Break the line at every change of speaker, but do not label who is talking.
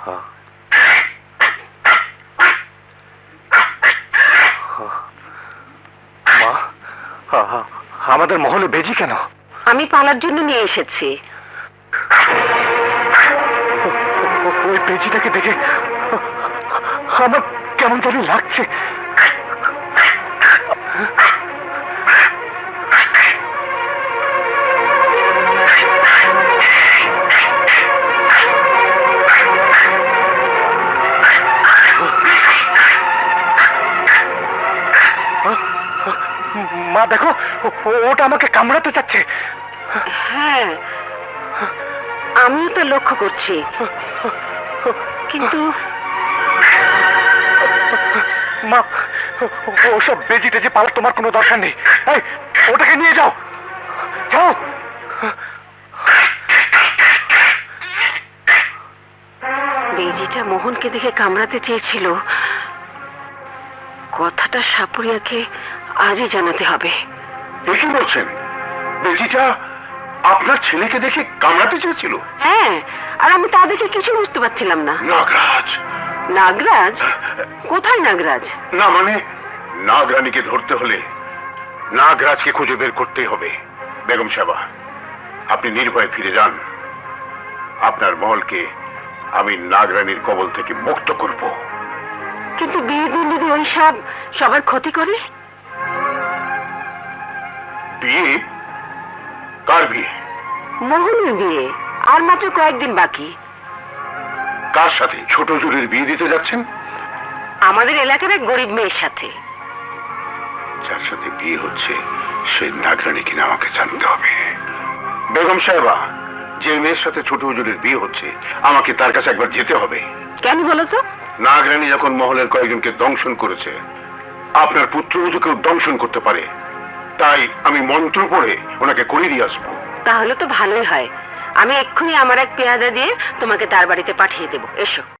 মা, আমাদের মহলে বেজি কেন?
আমি পালার জন্য নিয়ে এসেছি।
ওই বেজিটাকে দেখে আমার কেমন জানি লাগছে। মা দেখো, ওটা আমাকে কামড়াতে চাচ্ছে।
হ্যাঁ, আমিও তো লক্ষ্য করছি, কিন্তু
মা, ওসব বেজি টেজি পালার তোমার কোনো দরকার নেই। এই, ওটাকে নিয়ে যাও, যাও।
বেজিটা মোহনকে দেখে কামড়াতে চেয়েছিল। কথাটা সাপুরিয়াকে আজই জানাতে হবে।
কি বলছেন? বেজিটা আপনার ছেলেকে দেখে কামড়াতে চেয়েছিল?
হ্যাঁ, আর আমি তা দেখে কিছু বুঝতে পারছিলাম না।
নাগরাজ?
নাগরাজ? কোথায় নাগরাজ?
না মানে, নাগরানীকে ধরতে হলে নাগরাজকে খুঁজে বের করতেই হবে। বেগম সাহেবা, আপনি নির্ভয়ে ফিরে যান। আপনার মহলকে আমি নাগরানীর কবল থেকে মুক্ত করব।
কিন্তু বিয়ের দিন যদি ওই সব সবার ক্ষতি করে?
বিয়ে? কার বিয়ে?
মোহনের বিয়ে, আর মাত্র কয়েকদিন বাকি।
কার সাথে? ছোট জুরির বিয়ে দিতে যাচ্ছেন?
আমাদের এলাকার এক গরিব মেয়ের সাথে।
যার সাথে বিয়ে হচ্ছে সে নাগরানী কিনা আমাকে জানতে হবে। বেগম সাহেবা, যে মেয়ের সাথে ছোট হুজুরের বিয়ে হচ্ছে আমাকে তার কাছে একবার যেতে হবে।
কেন বলো তো?
নাগরানী যখন মহলের কয়েকজনকে দংশন করেছে, আপনার পুত্রবধূকেও দংশন করতে পারে। তাই আমি মন্ত্র পড়ে ওনাকে করে দিয়ে আসবো।
তাহলে তো ভালোই হয়। আমি এক্ষুনি আমার এক পেয়াদা দিয়ে তোমাকে তার বাড়িতে পাঠিয়ে দেবো। এসো।